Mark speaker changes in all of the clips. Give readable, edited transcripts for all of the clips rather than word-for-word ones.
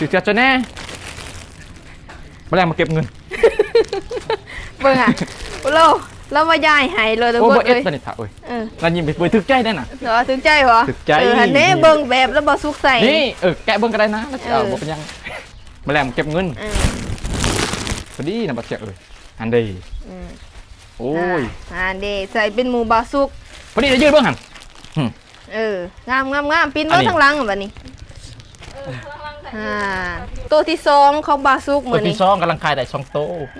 Speaker 1: ถือเสียจะแน่มาแรงมาเก็บเงิน
Speaker 2: เบิ่งอ่ะเรามาย้ายให้เลยทุก
Speaker 1: โอ้
Speaker 2: คน
Speaker 1: บ่เอ็ด
Speaker 2: เลย
Speaker 1: ตอนนี้ถ่าเอ้ยเรายิ้มไปถึกใจได้น่ะ
Speaker 2: เหรอถึงใจเหรอ
Speaker 1: ถึกใจ
Speaker 2: หันเน่เบิ่งแบบแล้วบ่สุกใส่
Speaker 1: นี่แกะเบิ่งก็ได้นะแล้วจะบ่เป็นยังมาแรงมาเก็บเงินพอดีนะบัดเสียเอ้ยหันดีโอ้ย
Speaker 2: หันดีใส่เป็นหมูบาสุก
Speaker 1: พอดีจะยืดเบิ่งหัน
Speaker 2: งามปีนเบิ่งทางหลังบัดนี้ตัวที่2ของบาสุกมื้อนี้
Speaker 1: ตัวที่2กำลังขายได้2โต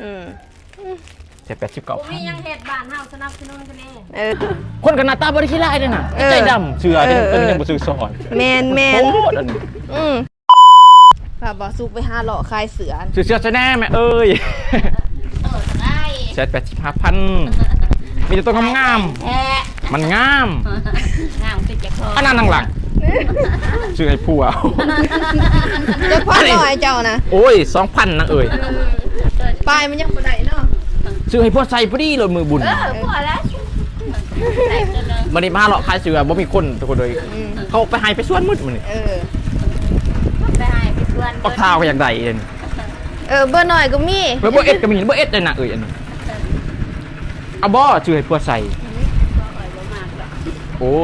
Speaker 1: 79,000
Speaker 3: มียังเฮ็ดบ้านเฮาสนับสนุนกันเอง
Speaker 1: คนกันหน้าตาบ่ได้ขี้ร้ายเด้น่ะใจดำเสือเด้ตัวยังบ่ซื้อซอย
Speaker 2: แม่น
Speaker 1: โอ้อันนี้
Speaker 2: พาบาสุกไปหาเลาะคายเสือ
Speaker 1: เสือจะแน่แม่เอ้ย
Speaker 3: ได้
Speaker 1: 85,000มีแต่ตัวงามๆมันงาม
Speaker 3: ติดจากคอ
Speaker 1: อันนั้นทางหลังชื่อไอ้ผัว
Speaker 2: จะพันหน่อยเจ้านะ
Speaker 1: โอ้ย 2,000นะเอ้ย
Speaker 2: ปลายมันยังบ่ได้เนาะ
Speaker 1: ชื่อให้พวกใส่พอดีเลยมือบุญ
Speaker 3: พอแล้ว
Speaker 1: มันนี่มาหรอกขายเสือบ่มีคนทุกคนเลยเขาไปหายไปสวนมืดมันนี่
Speaker 3: ไปหายไปสวน
Speaker 1: ปักเท้าก็อย่างใดเอง
Speaker 2: เบอร์หน่อยก็มี
Speaker 1: เบอร์เอ็ดก็มีเบอร์เอ็ดเลยนะเอ้ยอันนี้เอาบ่ชื่อให้พวกใส่โอ้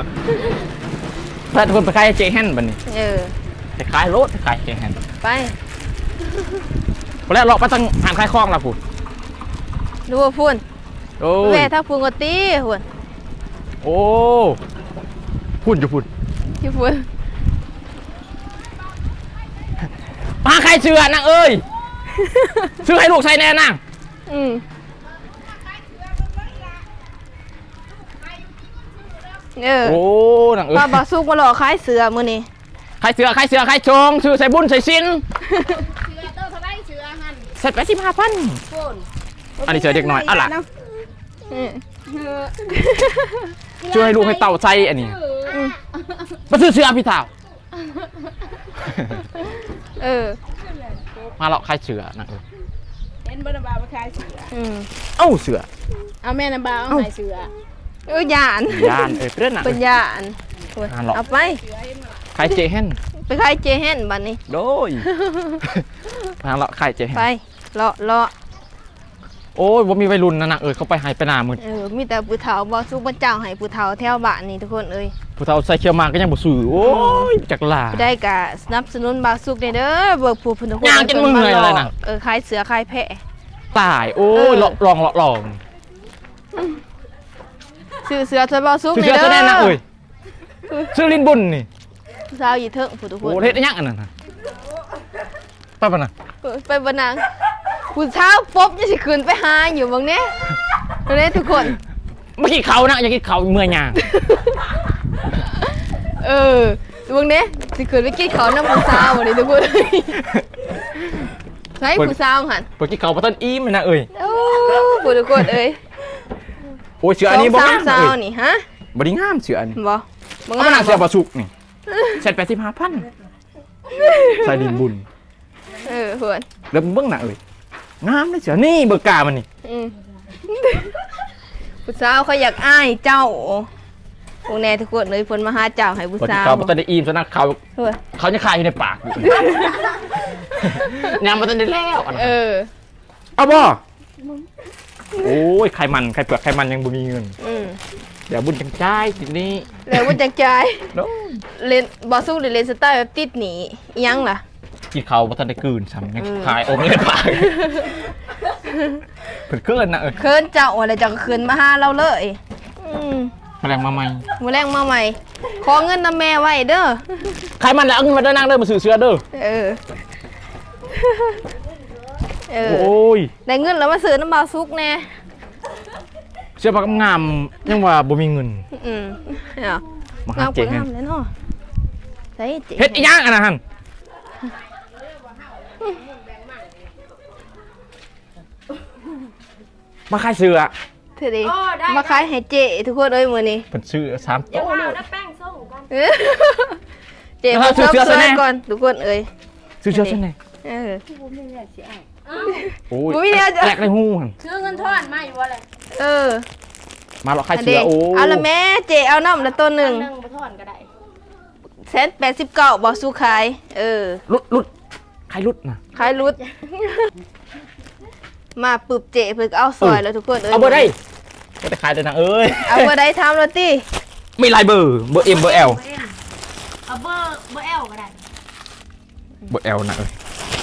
Speaker 1: ถ้าทุกคนไปขายเจแฮนบันนี้ไปขายรถไปขายเจแฮน
Speaker 2: ไป
Speaker 1: แล้วเราไปตั้งหานขายคลองละพูด
Speaker 2: ดูว่าพูนแม่ถ้าพูนก็ตีพูน
Speaker 1: โอ้พูดอยู่พูด
Speaker 2: อยู่พูน
Speaker 1: มาใครเชื่อนางเอ้ยซื้อให้ลูกใส่แน่นางโอ้นางเอ้ย
Speaker 2: ป้าบาสุกมาหลอกขายเสือมื้อนี้
Speaker 1: ขายเสือขายชงซื้อใส่บุญใส่สินเสร็จไป15,000อันนี้เสือเด็กน้อยอะไรช่วยให้ลูกให้เต่าใจอันนี้มาซื้อเสือพี่เต่ามาเลาะขายเสือนะ
Speaker 3: เห็นบ่นำบ่าวมาขายเสือ
Speaker 1: เอ้าเสือ
Speaker 3: เอาแม่นำบ่าวเอาขายเสื
Speaker 2: อยาน
Speaker 1: เพื่อนน่ะ
Speaker 2: เป็นยานเอาไป
Speaker 1: ขายเจแฮน
Speaker 2: ไปขายเจแฮนบัดนี้
Speaker 1: โดยมาเลาะขายเจแฮน
Speaker 2: ไปเลาะ
Speaker 1: โอ้ยว่ามีวัยรุ่นนะเขาไปหายไปหน้ามืด
Speaker 2: มีแต่ผู้เฒ่าบาสุกบ่เจ้าให้ผู้เฒ่าแถวบ้านนี่ทุกคน
Speaker 1: ผู้เฒ่าใส่เขียวมาก็ยังบ่ซื้อโอ้ยจักลา
Speaker 2: ได้กะสนับสนุนบาสุกเด้อเบิกผู้เพิ่นทุกคน
Speaker 1: ย่างจนมึงเลยอะไรน่ะ
Speaker 2: ขายเสือขายแพะ
Speaker 1: ตายโอ้ยลอง
Speaker 2: ซื้อเสือซะบาสุก
Speaker 1: นี่เด้อซื้อแน่นะเอ้ยซื้อลินบุญนี่
Speaker 2: สาวอยู่เถิงผู้ทุกคน
Speaker 1: โอ้เฮ็ดยังอันนั้นน่ะไปบ่น่ะ
Speaker 2: ไปบ่นางผู้เฒ่าป๊บจะสิขึ้นไปหาอยู่บางเนี้ยเด้ทุกคน
Speaker 1: เมื่อกี้เขานะอยากกินเขาเมื่อยย่าง
Speaker 2: บางเนี้ยสิขึ้นไปกินเขาน้ำผู้สาวนี่ทุกคนใช่ผู้สาวหั่น
Speaker 1: เมื่อกี้เขาบ่ทันอิ่มนะเอ้ย
Speaker 2: โอ้ผู้ทุกคน
Speaker 1: โอ้ยเสืออันนี้บ่งาม
Speaker 2: สาวนี่ฮะ
Speaker 1: บ่ได้งามเสืออันนี้
Speaker 2: บ่
Speaker 1: งามเสือบ่สุกนี่เสร็จ85,000ใส่ดินบุญ
Speaker 2: เพื่อน
Speaker 1: แล้วเบิ่งหน้าเอ้ยงามเลยเสือนี่เบอร์กามันนี่
Speaker 2: ผู้สาวเขาอยากอ้ายเจ้าพวกแน่ทุกคนเลยเพิ่นมาหาเจ้าให้ผู้สาว
Speaker 1: เขาบ่ทันได้อิ่มซะนะเขาจะคายอยู่ในปากยังบ่ทันได้แล้วเอาบ่โอ้ยไขมันไขเปลือกไขมันยังบ่มีเงินเดี๋ยวบุญจังจ่ายทีนี้
Speaker 2: เดี๋ยวบุญจังจ่ายเล่นบ่สู้หรือเล่นสไตล์แบบติดหนียังล่ะ
Speaker 1: กินเขาบ่ทันได้กืนซ้ำยังคายอมในปากเพิ่นเคินนะ
Speaker 2: เคินเจ้าอะไรเจ้าก็คืนมาหาเราเลย
Speaker 1: แมลงมาใหม่
Speaker 2: ขอเงินนำแม่ไว้เด้อ
Speaker 1: ใครมันแล้วเอาเงินมาเด้อนั่งเด้อมาซื้อเสื้อเด้อโอ้ย
Speaker 2: ได้เงินแล้วมาซื้อน้ำบาซุกแน่
Speaker 1: เสื้อผ้างามยังว่าบ่มีเงินมาหาเจ๊
Speaker 2: งามเลยเนาะ
Speaker 1: เฮ็ดอีหยังอันนั้นมาขายเสื้อ
Speaker 2: เธอดิมาขายให้เจทุกคนเลยมื้อนี้
Speaker 1: เพิ่นซื้อ3โต๊ะ
Speaker 3: แล้วแป้งส่งกัน
Speaker 2: เจมาซื้อเสื้อก่อนทุกคน
Speaker 1: ซื้อเสื้อซั่นแน่
Speaker 3: บ่มีแล้วสิเอา
Speaker 1: โอ้ยแลกในหูหั่น
Speaker 3: ซื้อเงินทอนมาอยู่บ่เลย
Speaker 1: มาหรอกขายเสื้อโอ้
Speaker 2: เอาละแม่เจเอาน้ำละตัวนึง
Speaker 3: บ่ทอนก็ได้
Speaker 2: 189บ่สู้ขาย
Speaker 1: ลุดใครรุดนะ
Speaker 2: คล้ายรุด มาปึบเจ๋เพิ่นก็เอาซอยแล้วทุกคนเอ้ย
Speaker 1: เอาเบอร์ได้ก็จะขายได้นะเอ้ย
Speaker 2: เอาเบอร์ได้ทำแล้วติ
Speaker 1: มีหลายเบอร์เบอร์ M เบอร์ L
Speaker 3: เอาเบอร์ L ก็ได้
Speaker 1: เบอร์ L นะเอ้ย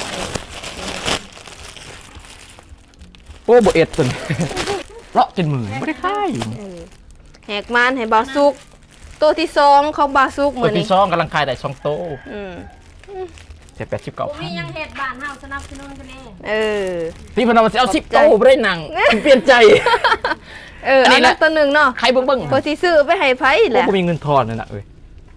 Speaker 1: โอ้เบอร์ S ตัวนี้เลาะจนมือไม่ได้ขาย
Speaker 2: แหกมันให้บาซุกตัวที่สองของบาซุก
Speaker 1: ตั
Speaker 2: มื้
Speaker 1: ว
Speaker 2: อนี้
Speaker 1: ที่2กำลังขายได้2โต
Speaker 2: อืม
Speaker 1: แต่
Speaker 3: บ่มี
Speaker 1: 89,000
Speaker 3: ยังเฮ็ดบ้านเฮาสนับสนุนกันเอง
Speaker 2: เออ
Speaker 1: พี่เพนเอามาเอา10โตไม่ได้หนังเปลี่ยนใจ
Speaker 2: อัน
Speaker 1: นี้
Speaker 2: นี้
Speaker 1: แหละ
Speaker 2: ตัวหนึงเนาะ
Speaker 1: ใครเบิ่ง
Speaker 2: พอสิซื้อไปให้ไผ
Speaker 1: โอ้
Speaker 2: แหละ
Speaker 1: กูมีเงินทอนนั่นน่ะเอ้ย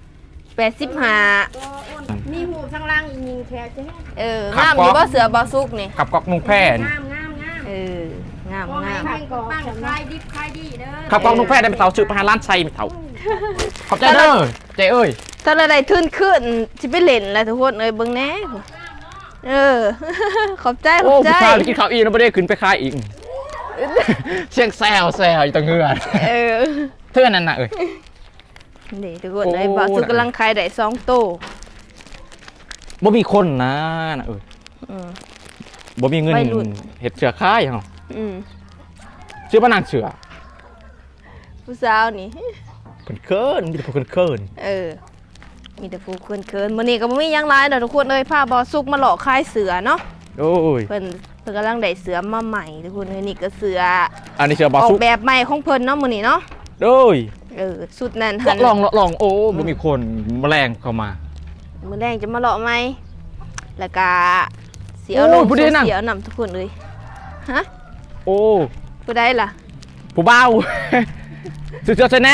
Speaker 2: 85
Speaker 3: ตัวอ้นมีหูข้างล่างอีกยิงแค่จะให้
Speaker 2: งามอยู่บ่เสือบาซุกนี่
Speaker 1: กับกอกนุ่งแพร่น
Speaker 3: งาม
Speaker 2: งาม
Speaker 3: ขอให้
Speaker 2: งาม
Speaker 3: แม่งปังขายดิบขายดีเด้อ
Speaker 1: ขับกองนุ่งแพร่ได้ไปเต่าซื้อไปหาร้านไซไม่เต่าขอบใจเด้อเจ้เอ้ย
Speaker 2: ถ้าอะไรทุนขึ้นสิไปเล่นแล้วทุกคนเอ้ยเบิ่งแหน่ขอบใจข
Speaker 1: โอ้
Speaker 2: อบใจ
Speaker 1: ผู้ชายไปกินข้าวอีกแล้วไม่ได้ขึ้นไปขายอีกเชียงแซวอยู่ตรงเงือ
Speaker 2: เออ
Speaker 1: เท่านั้นน่ะเอ้ย
Speaker 2: นี่ทุกคนเอ้ย
Speaker 1: โอ้
Speaker 2: บาซุกกำลังขายได้2โต
Speaker 1: บ่มีคนนะเอ้ย
Speaker 2: อืม
Speaker 1: บ่มีเงิน
Speaker 2: วัยรุ่น
Speaker 1: เฮ็ดเสือขายเหรอ
Speaker 2: อืม
Speaker 1: ชื่อว่านางเสือ
Speaker 2: ผู้สาวนี่
Speaker 1: เพิ่นเคินมีแต่พวกเคิน
Speaker 2: มีแต่ผู้เคินๆมื้อนี้ก็บ่มีหยังหลายดอกทุกคนเอ้ยพาบาซุกมาหลอกขายเสือเนาะ
Speaker 1: โอ้ย
Speaker 2: เพิ่นกำลังได้เสือมาใหม่ทุกคนเอ้ยนี่ก็เสือ
Speaker 1: อันนี้เสือบา
Speaker 2: ออก
Speaker 1: ซุก
Speaker 2: แบบใหม่ของเพิ่นเนาะมื้อนี้เนาะ
Speaker 1: โอ้ย
Speaker 2: สุดนั้นหัน
Speaker 1: ลองโอ้บ่มีคนแมลงเข้ามา
Speaker 2: มื้อแรงจะมาหลอกไหมแล้วก็เสียลง
Speaker 1: โอ้ผู้ใดนั่ง
Speaker 2: เสียนำทุกคนเลยฮะ
Speaker 1: โอ้
Speaker 2: ผู้ใดล่ะ
Speaker 1: ผู้เบา สุดยอดแน่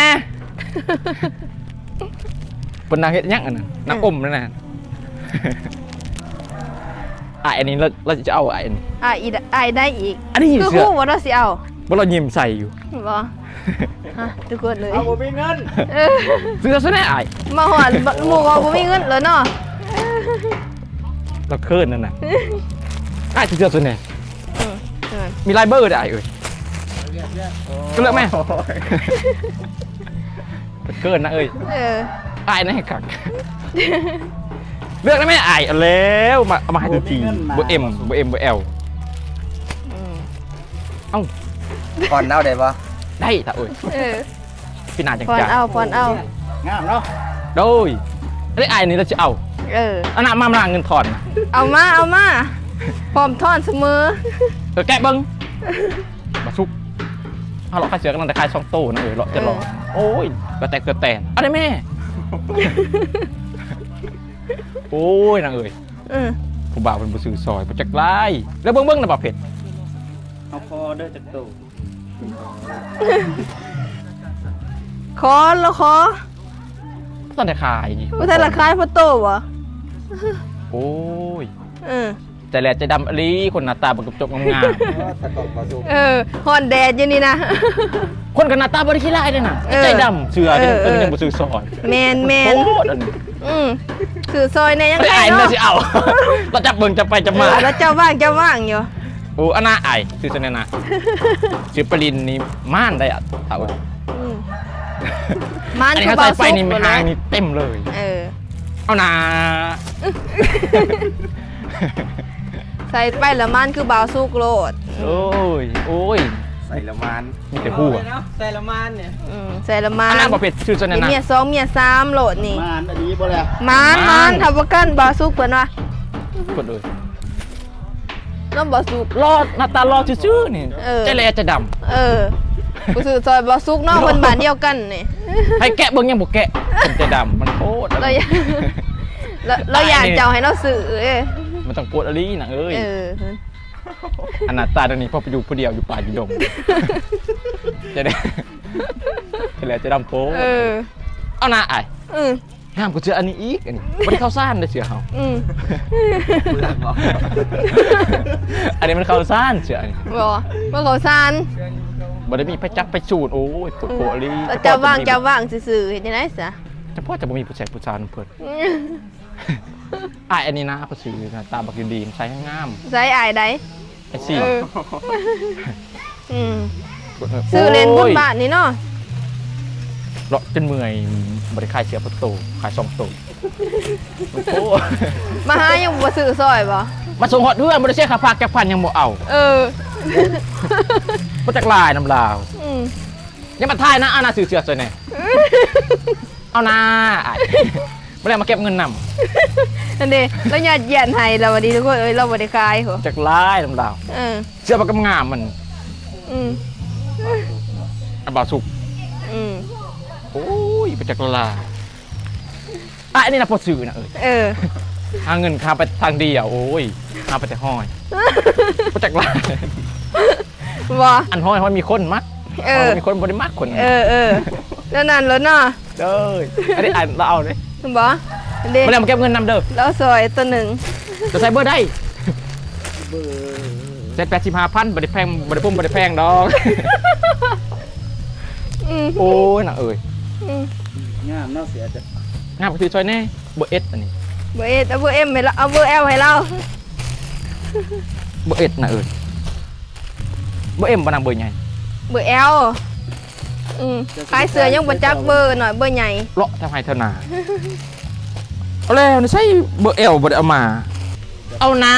Speaker 1: เป็นนางเฮ็ดหยังอันนั้นนางอมนั่นน่ะอันนี้เราจะเอาอันนี้
Speaker 2: อีได้อีก
Speaker 1: อันนี้
Speaker 2: คือ
Speaker 1: เสือ
Speaker 2: ฮู้ว่าเราสิเอา
Speaker 1: บ่เรายิ้มใส่อยู่
Speaker 2: บ่ฮะทุกคนเลย
Speaker 4: เอาบ่มีเงิน
Speaker 2: เออ
Speaker 1: สุดยอดแน่อ้าย
Speaker 2: มาหอดหมู่ก็บ่มีเงินแล้วเนาะ
Speaker 1: เราเคินนั่นน่ะอ้ายสุดยอดแน่
Speaker 2: อืม
Speaker 1: มีไลายเบอร์ได้เอ้ยก็เลือกแม่เกินนะเอ้ย
Speaker 2: เออ
Speaker 1: อายนะให้ขักเลือกได้ไหมอายเอาแล้วมาเอามาให้ดูทีเบอร์ M เบอร์ M เบอร์ L
Speaker 2: อืม
Speaker 1: เอ้า
Speaker 4: ก่อนเอาได้ปะ
Speaker 1: ได้ถ้าเอ้ย
Speaker 2: เออ
Speaker 1: พี่นาจัง
Speaker 2: พร
Speaker 1: จัง
Speaker 2: เอาพรเอา
Speaker 4: งามเนาะ
Speaker 1: โดยได้อายนี่เราจะเอา
Speaker 2: เออ
Speaker 1: อันนั้นมาเงินถอนนะ
Speaker 2: เอามาพร้อมทอนเสมอ
Speaker 1: แกะเบิ้งมาซุกเอาเราขายเสือกำลังจะขาย2 โตนะเอ้ยเราจะรอโอ้ยกระแตกเกิดแตนเอาได้แม่ โอ้ยนางเอ้ย
Speaker 2: อืม
Speaker 1: ผู้บ่าวเป็นผู้ซื้อซอยผู้จักไล่แล้วเบิ้งนะบ่าวเผ็ด
Speaker 4: เอาคอเด้อจักโต
Speaker 2: ขอแล้วขอ
Speaker 1: ตอนได้ขาย
Speaker 2: บ่ทันราคายพอโตบ่
Speaker 1: โอ้ย
Speaker 2: เออ
Speaker 1: ใจแหลใจดำอลีคนหน้าตาบักกระจกงาม
Speaker 4: ตะกอกมาสุก
Speaker 2: ฮอนแดดอยู่นี่นะ
Speaker 1: ๆคนกับหน้าตาบริขี้ไล่เลยนะ
Speaker 2: เออ
Speaker 1: ใจดำเสือ
Speaker 2: เออ
Speaker 1: เป็นยังบ่ซื้อซอย
Speaker 2: แมน
Speaker 1: โอ้อันนี้
Speaker 2: สื่อซอยในยัง
Speaker 1: ไอ้
Speaker 2: ไง
Speaker 1: ไอ้
Speaker 2: เนาะ
Speaker 1: น่าสิเอา เราจับเบิ่งจะไปจะมา
Speaker 2: แล้วเจ้าว่างอยู่
Speaker 1: โอ้อันน่าไอ้ซื้อซะแน่นะซื้อปรินนี่ม่านได้อ่ะเอา
Speaker 2: อืมมัน
Speaker 1: อันนี้
Speaker 2: คือ
Speaker 1: เขา
Speaker 2: เบา
Speaker 1: ใส่ไป
Speaker 2: ซุก
Speaker 1: นี่
Speaker 2: หมด
Speaker 1: หา
Speaker 2: เลย
Speaker 1: งนี่เต็มเลย
Speaker 2: เออ
Speaker 1: เอานา
Speaker 2: ใส่ไปแล้วมันคือเบาซุกโลด
Speaker 1: โอ้ย
Speaker 4: ใส่ละมาน
Speaker 1: มีแต่หัว
Speaker 4: ใส่ละมานเนี่ย
Speaker 2: ใส่ละมั
Speaker 1: อั
Speaker 2: น
Speaker 1: นนั้นบ่เผ็ดซื้อซะแน่นะ
Speaker 2: เมีย2เมีย3โหลดนี่
Speaker 4: มานอันนี้บ่แล้ว
Speaker 2: มันทำประกันเบาซุกเพิ่นว่า
Speaker 1: กดเลย
Speaker 2: น้ำเบาซุก
Speaker 1: รอดหน้าตารอซื่อๆนี่
Speaker 2: เออ
Speaker 1: ใจแหลใจดำ
Speaker 2: ผู้สื่อซอยเบาซุกเนาะเพิ่นบ้านเดียวกันนี่
Speaker 1: ให้แกะเบิ่งยังบ่แกะผมใจดำมันโคตร
Speaker 2: เราอยากเราอยากเจ้าให้เราสื่อ
Speaker 1: มันต้องปวดอลีนะเอ้ย
Speaker 2: เออ
Speaker 1: อันหน้าตาตรงนี้พ่อไปอยู่ผู้เดียวอยู่ป่าอยู่ดงจะได้จะแหลจะดำโป๊
Speaker 2: เออ
Speaker 1: เอาหน้าไอ้
Speaker 2: อืม
Speaker 1: ห้ามกูเจออันนี้อีกอันนี้ไม่ได้เข้าซ่านเลยเสือเขา
Speaker 2: อืม
Speaker 4: เลือกบ่
Speaker 1: อันนี้มันเข้าซ่านเสืออันนี้
Speaker 2: บ่ว่าเขาซาน
Speaker 1: บ่ได้มีไปจักไปจูดโอ้ยปวดโผล่อลี
Speaker 2: แล้วจะว่างซื่อๆเฮ็ดจังได๋ซะ
Speaker 1: แต่พ่อจะบ่มีผู้ชายผู้ชายเพิ่นไอ้อันนี้นะเขาซื้อนะตาบักดีๆใช้ให้งาม
Speaker 2: ใส่อายใด
Speaker 1: ไอ้ซี่
Speaker 2: เอออืมซื้อเล่นบุญบาทนี่เนาะ
Speaker 1: เลาะจนเมื่อยบริขายเสียประตูขาย2 ตัวโอ้
Speaker 2: มาหายังบ่ซื้อซอยบ่
Speaker 1: มาส่งฮอดเพื่อนบ่ได้เสียค่าฝากจักพันยังบ่เอา
Speaker 2: เออ
Speaker 1: บ่จักลายน้ำลาว
Speaker 2: อืม
Speaker 1: ยังมาทายนะเอาหน้าซื้อเสื้อซอยแหน่เอาหน้าอ้ายบ่ได้มาเก็บเงินนำ
Speaker 2: นั่นเด้แล้วญาติเยียนให้เราวันนี้ทุกคนเอ้ยเราบ่ได้ขายเหรอ
Speaker 1: จักลายน้ำลาว
Speaker 2: เออ
Speaker 1: เสื้อมันก็งามมัน
Speaker 2: อืม
Speaker 1: อันบ่สุก
Speaker 2: อืม
Speaker 1: โอ้ยบ่จักลายอ่ะอันนี้น่ะพอซื้อนะเอ้ย
Speaker 2: เออ
Speaker 1: หาเงินค่าไปทางเดียวโอ้ยหาไปแต่ห้อยบ่จักลาย
Speaker 2: บ่
Speaker 1: อันห้อยมีคนมัก
Speaker 2: เออ
Speaker 1: มีคนบ่ได้มักคน
Speaker 2: เออแล้วนั่นแล้วเนาะ
Speaker 1: เด้ออันนี้อ่านเราเอาเลย
Speaker 2: บ่เด้
Speaker 1: บ่ได้มาเก็บเงินนำเด้อ
Speaker 2: แล้วซอยตัวหนึ่ง
Speaker 1: จะใส่เบอร์ได้เซ็ต85,000บ่ได้แพงบ่ได้พุ่มบ่ได้แพงดอก
Speaker 2: อืม
Speaker 1: โอ้ยน่ะเอ้ย
Speaker 2: อืม
Speaker 4: งามเนาะเสียจะ
Speaker 1: งามไปซื้อซอยแน่เบอร์เอสอันนี้
Speaker 2: เบอร์เอสเอาเบอร์เอ็มให้เราเอาเบอร์เอลให้เรา
Speaker 1: เบอร์เอสน่ะเอ้ยเบอร์เอ็มบ่นางเบอร์ใหญ่
Speaker 2: เบอร์เอลขายเสือยังบ่จักเบอร์หน่อยเบอร์ใหญ่
Speaker 1: เลาะทำให้เท่านาเอาแล้วนี่ใช่เบอร์เอลบ่ได้เอามา เอานะ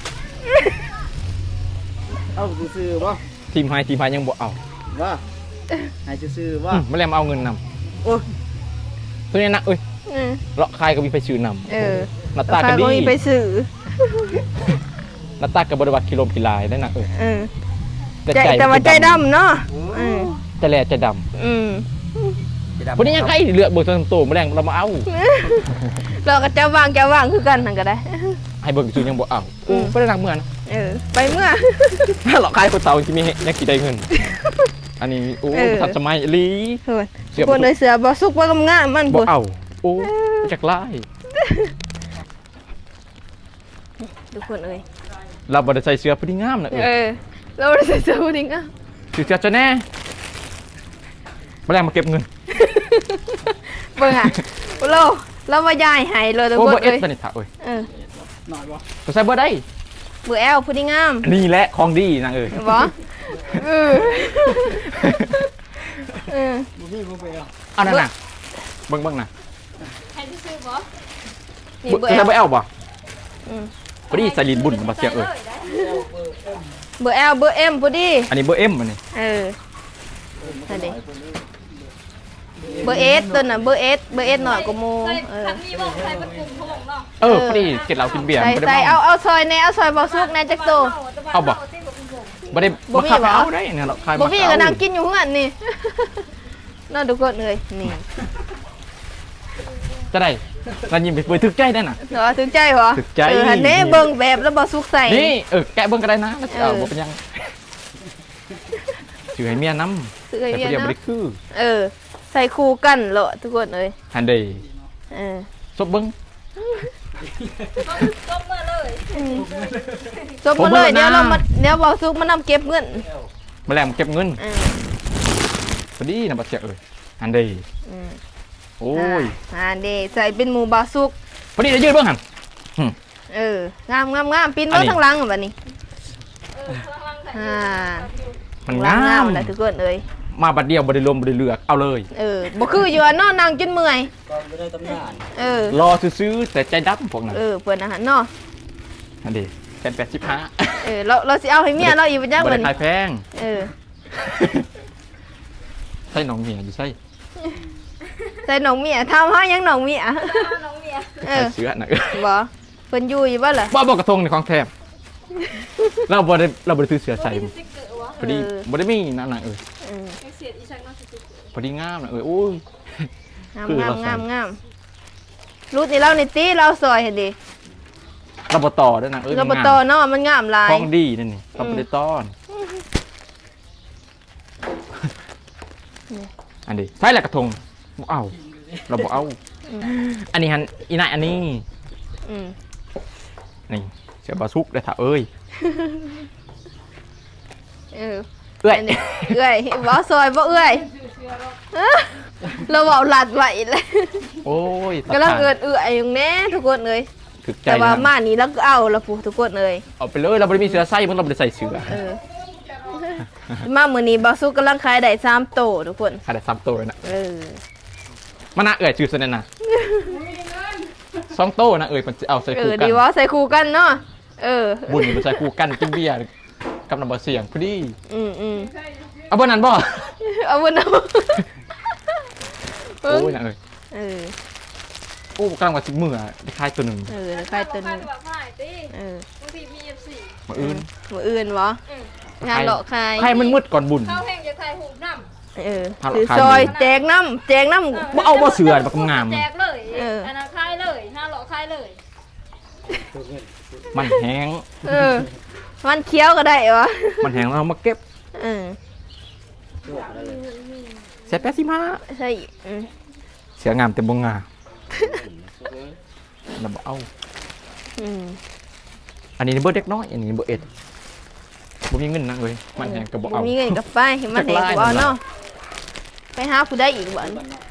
Speaker 4: เอาซื้อๆบ่
Speaker 1: ทีมไฮยังบ่เอา
Speaker 4: ว่าให้ซื้อๆว่า
Speaker 1: บ่แล้วมาเอาเงินนำ
Speaker 4: โอ้ย
Speaker 1: ตัวนี้นะเอ้ย
Speaker 2: อืม
Speaker 1: เลาะคายก็มีไปซื้อนำ
Speaker 2: เออ
Speaker 1: หน้าตาก็
Speaker 2: ขาย
Speaker 1: ดี
Speaker 2: บ่มีไปซื้อ
Speaker 1: หน้าตาก็บ่ได้วัดกิโลกิลายได้น่ะเอ้ย
Speaker 2: เออ
Speaker 1: แต่
Speaker 2: ใจ
Speaker 1: ใจ
Speaker 2: แต่ว่าใจดำเนาะอืม
Speaker 1: แต่แลใจดำ
Speaker 2: อืม
Speaker 1: วันนี้ยังไงเลือกเบิกตัวโตมาแรงเรามาเอา
Speaker 2: เราก็จะวางคือกันนั่นก็ได้
Speaker 1: ให้เบิกซื้อยังบ่เอาไม่ได้รักเมื่อนะ
Speaker 2: เออ ไปเมื่อ
Speaker 1: หลอกขายคนเตาที่มียังกี่ได้เงิน อันนี้โอ้
Speaker 2: เออ
Speaker 1: ทันสมัยลี
Speaker 2: เฮ้ย
Speaker 1: เสียบ
Speaker 2: คนเลยเสือบ่สุกบ่กำงามมัน
Speaker 1: บ่
Speaker 2: พุ่น
Speaker 1: เอาโอ้จากไล่
Speaker 2: ทุกคนเอ้ย
Speaker 1: เราบ่ได้ใส่เสื้อพอดีงามนะ
Speaker 2: เออ เราบ่ได้ใส่เสื้อผู้หญิงอ่ะ
Speaker 1: ซื้อเสื้อจะแน่มาแรงมาเก็บเงิน
Speaker 2: เบิ่งอ่ะเราว่าย้ายให้เลยทุก
Speaker 1: โอ้
Speaker 2: คน
Speaker 1: เบอร์เอส
Speaker 2: เอ้ย
Speaker 1: ตัวนี้ถ่าเอ้ย
Speaker 2: เออ
Speaker 4: หน่อยบ่
Speaker 1: ตัวใส่เบอร์ได้
Speaker 2: เบอร์แอลผู้หญิงงาม
Speaker 1: นี่แหละของดีนางเอ้ย
Speaker 2: บ่เออเออ
Speaker 4: บ่มีบ่ไปเอา
Speaker 1: เอานั่นน่ะเบิ่งน่ะ
Speaker 2: นี่
Speaker 1: เบอ
Speaker 2: เบอ
Speaker 1: ร์
Speaker 2: ร์แอ
Speaker 1: ใส่
Speaker 2: ล
Speaker 1: เบอร์เอลบ่
Speaker 2: อืม
Speaker 1: พอดีใส่ลินบุญมาเสียเอ้ย
Speaker 2: เบอร์แอลเบอร์เอ็มพอดี
Speaker 1: อันนี้เบอร์เอ็มอันนี้
Speaker 2: เออนั่นดิเบอร์เอสตัวน่ะเบอร์เอสหน่อยกว่าโมเออ
Speaker 3: มีบอกใครเป็นกลุ่มเขาบอกเนาะ
Speaker 1: เออพอดีกินเหล้ากินเบียร์
Speaker 2: ใส่
Speaker 1: บ่ได้
Speaker 2: ใส่
Speaker 1: เมา
Speaker 2: เอาซอยแน่เอาซอยบ่สุกแน่จักโต
Speaker 1: เอาบ่บ่ได้
Speaker 2: บ่
Speaker 1: มา
Speaker 2: มี
Speaker 1: ขับ
Speaker 2: เหรอ
Speaker 1: เอาได้เนี่ยเราขาย
Speaker 2: บ่
Speaker 1: มา
Speaker 2: พี่
Speaker 1: เอา
Speaker 2: ก็นั่งกินอยู่เฮือนนี่ น่าทุกคนเลยนี่
Speaker 1: จะได้เรายิ้มไปเปิดถึกใจได้น่ะ
Speaker 2: เหรอถึงใจเหรอ
Speaker 1: ถึงใจ
Speaker 2: เออหันเด้เบิ่งแบบแล้วบ่สุกใส่
Speaker 1: นี่แกะเบิ่งก็ได้นะแล้วสิเอา
Speaker 2: เออ
Speaker 1: บ่เป็นหยังถือให้เมียนำ
Speaker 2: ซื้อ
Speaker 1: แต่
Speaker 2: ให้
Speaker 1: ผู้
Speaker 2: เมีย
Speaker 1: เดียวบ่
Speaker 2: นะ
Speaker 1: ได้คือ
Speaker 2: เออ ใส่คู่กันเหรอทุกคนเอ้ย
Speaker 1: ฮันเดย์
Speaker 2: เออ
Speaker 1: ซบเบิ่ง
Speaker 3: ต้มมาเลย
Speaker 2: จบมาเลยเดี๋ยวเรามาเดี๋ยวบ่สุกมานำเก็บเงิน
Speaker 1: มาแลงเก็บเงิน
Speaker 2: เออ
Speaker 1: พอดีนะบ่เสียเอ้ยฮันเดย์
Speaker 2: อืม
Speaker 1: โอ้ย
Speaker 2: เด้ใส่เป็นหมูบ่สุก
Speaker 1: พอดีจะยืดเบิ่งหั่น
Speaker 2: เอองามปีน
Speaker 1: อัน
Speaker 2: เบิ่
Speaker 1: นี้
Speaker 2: งทางหลังบัดนี้อ่า
Speaker 1: มัน
Speaker 2: หลั
Speaker 1: งาม
Speaker 2: แหละทุกคนเอ้ย
Speaker 1: มาบัดเดียวบ่ได้ลมบ่ได้เลือกเอาเลย
Speaker 2: เออบ่คืออยู่อะเนาะนั่งจนเมื่อย
Speaker 4: ก่อนบ่ได้ตำนาน
Speaker 2: เออ
Speaker 1: รอซื้อๆแต่ใจดำพวกนั้น
Speaker 2: เออเพิ่นอาหารเนาะ
Speaker 1: ฮันเดย์แค่85
Speaker 2: เออเราสิเอาให้เมียเราอีกบ่จัก
Speaker 1: บ่
Speaker 2: บั
Speaker 1: ได้
Speaker 2: ด
Speaker 1: ขา
Speaker 2: นี้
Speaker 1: ยแพง
Speaker 2: เออ
Speaker 1: ใส่น้องเมียอยู่ใส่
Speaker 2: ใส่หนองเมียทำเฮายังหนองเมีย
Speaker 3: น้องเมีย
Speaker 2: เอ
Speaker 1: ใส่
Speaker 2: อ
Speaker 1: เสื้อน่ะ
Speaker 2: บ่เพิ่นอยู่บ่ล่ะ
Speaker 1: บ่กระทงในของแถมเราบ่ได้ซื้อเสื้อใส่
Speaker 3: สิเกิดวะ
Speaker 1: พอดีบ่ได้มีนั่นน่ะเออ
Speaker 2: เออ
Speaker 3: เสียอีชังน่าสิ
Speaker 1: พอดีงามน่ะเออโอ้ย
Speaker 2: งาม
Speaker 1: คือเราใส่
Speaker 2: งามรูดนี่เรานี่ติเราซอยให้ดิ
Speaker 1: เราบ่ต่อด้วยนะเออ
Speaker 2: เรา
Speaker 1: มัน
Speaker 2: บ่
Speaker 1: งาม
Speaker 2: ต่อเนาะมันงามหลาย
Speaker 1: ของดีนั่นนี่เราบ่ได้ต้อน อันนี้ใช่แหละกระทงบ่เอาเราบ่เอา อันนี้ฮันอีนายอันนี้
Speaker 2: อืม
Speaker 1: นี่เสือบาซุกได้ถ่าเอ้ย
Speaker 2: เออ
Speaker 1: เอ้ย
Speaker 2: อันนี้เอื้อยบ่ซอยบ่เอื้อยเราเว้าหลัดไว้เลย
Speaker 1: โอ้ย
Speaker 2: กำลังเอื้อยอยู่แน่ทุกคนเอ้ย
Speaker 1: ถึกใจ
Speaker 2: แต่ว่า
Speaker 1: นะ
Speaker 2: มานี่เราก็เอาละผู้ทุกคนเอ้ย
Speaker 1: เอาไปเลยเราบ่ได้มีเสือไส้มันเราบ่ได้ใส่เสือ
Speaker 2: เออ มามื้อนี้บ่าวสุกกำลังขายได้3โตทุกคน
Speaker 1: ขนาดซ้ำตัวเลยนะ
Speaker 2: เออ
Speaker 1: มันน่าเอ้ยชื่อซะนั่นน่ะ 2โต้นะเอ้ยมันเอาใส่
Speaker 2: เอ
Speaker 1: คู่
Speaker 2: อ
Speaker 1: กัน
Speaker 2: ดีว่าใส่คู่กันเนาะเออ
Speaker 1: บุญมันใส่คู่กันกินเบียร์กับน้ำบ่เสียงพอดี
Speaker 2: อืม
Speaker 1: เอาบ่นั้นบ่
Speaker 2: เอาบุญเอา
Speaker 1: โอ้ยนะเอ้ย
Speaker 2: เออ
Speaker 1: โอ้กำลังว่าสิมื้อได้คายตัวหนึง
Speaker 2: เออใครตัวนึง
Speaker 3: แบบฝ่ายตี
Speaker 2: เออบ
Speaker 3: างทีมี F4
Speaker 1: มื้ออื่น
Speaker 2: มืออื่นวะงานหลอกใคร
Speaker 1: ใครมันมืดก่อนบุญ
Speaker 3: เข้าแห้งจะถ่ายหูน้
Speaker 2: เออ
Speaker 1: พาหลอก
Speaker 2: ถือ
Speaker 1: ใคร
Speaker 2: ซอย
Speaker 1: มือ
Speaker 2: แจกน้ำ
Speaker 1: บ่เอาบ่เสือบักงาม
Speaker 3: ำแจกเลย
Speaker 2: เออ
Speaker 3: อันนั้นคายเลยห้าหล่อคายเลย
Speaker 1: มันแห้ง
Speaker 2: เออมันเคี้ยวก็ได้วะ
Speaker 1: มันแห้งแล้วเอามาเก็บ
Speaker 2: เออ
Speaker 1: เสร็จแป๊บสิมา
Speaker 2: ใช่อืม
Speaker 1: เสืองามแต่บ่งามแล้วบ่เอา
Speaker 2: อืม
Speaker 1: อันนี้เบอร์เด็กน้อยอันนี้เบอร์เอ็ดบ่มีเงินนะเอ้ยมันแห้งก็บ่เอา
Speaker 2: มีเงินกับไปมันแหงกูเอาเนาะไปหาผู้ได้อีกบ่อน
Speaker 4: บ้านนอก